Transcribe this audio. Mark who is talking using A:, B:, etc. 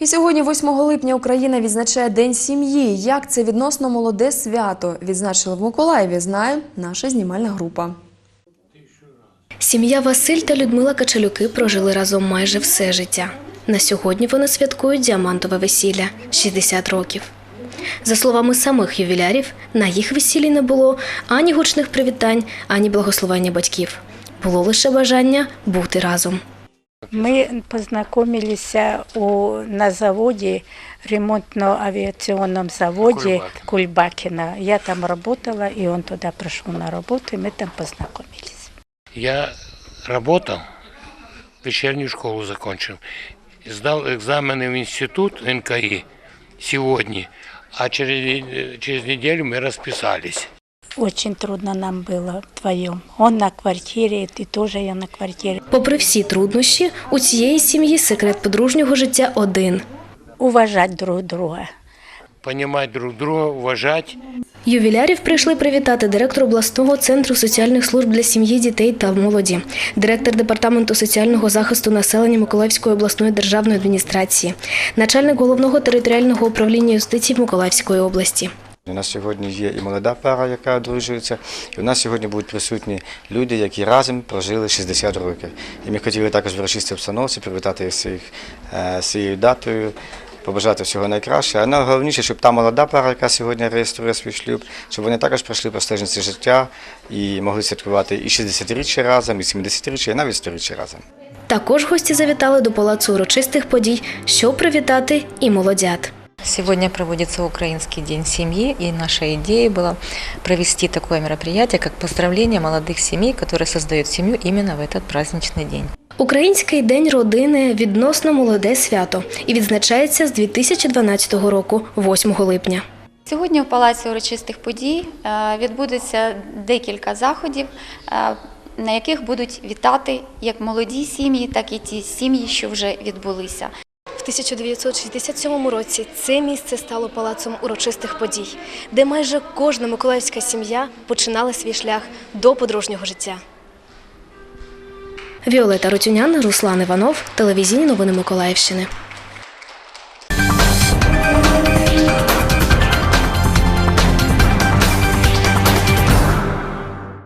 A: І сьогодні, 8 липня, Україна відзначає День сім'ї. Як це відносно молоде свято відзначили в Миколаєві, знає наша знімальна група.
B: Сім'я Василь та Людмила Качалюки прожили разом майже все життя. На сьогодні вони святкують діамантове весілля – 60 років. За словами самих ювілярів, на їх весіллі не було ані гучних привітань, ані благословення батьків. Було лише бажання бути разом.
C: Мы познакомились на заводе, ремонтно-авиационном заводе Кульбакина. Я там работала, и он туда пришел на работу, и мы там познакомились.
D: Я работал, вечернюю школу закончил, сдал экзамены в институт НКИ сегодня, а через неделю мы расписались.
C: Очень трудно нам было вдвоем. Он на квартире, и тоже я на квартире.
B: Попри всі труднощі, у цієї сім'ї секрет подружнього життя один.
C: Уважать друг друга.
D: Понимать друг друга, уважать.
B: Ювілярів прийшли привітати директор обласного центру соціальних служб для сім'ї, дітей та молоді, директор департаменту соціального захисту населення Миколаївської обласної державної адміністрації, начальник головного територіального управління юстиції Миколаївської області.
E: У нас сьогодні є і молода пара, яка одружується, і у нас сьогодні будуть присутні люди, які разом прожили 60 років. І ми хотіли також в урочистій обстановці привітати всіх з цією датою, побажати всього найкращого. А найголовніше, щоб та молода пара, яка сьогодні реєструє свій шлюб, щоб вони також пройшли по стежинці життя і могли святкувати і 60-річчя разом, і 70-річчя, і навіть 100-річчя разом.
B: Також гості завітали до палацу урочистих подій, щоб привітати і молодят.
F: Сегодня проводится Украинский день семьи, и наша идея была провести такое мероприятие, как поздравление молодых семей, которые создают семью именно в этот праздничный день.
B: Український день родини – відносно молоде свято і відзначається з 2012 року, 8 липня.
G: Сьогодні в Палаці урочистих подій відбудеться декілька заходів, на яких будуть вітати як молоді сім'ї, так і ті сім'ї, що вже відбулися.
B: В 1967 році це місце стало палацом урочистих подій, де майже кожна миколаївська сім'я починала свій шлях до подружнього життя. Віолета Рутюнян, Руслан Іванов, телевізійні новини Миколаївщини.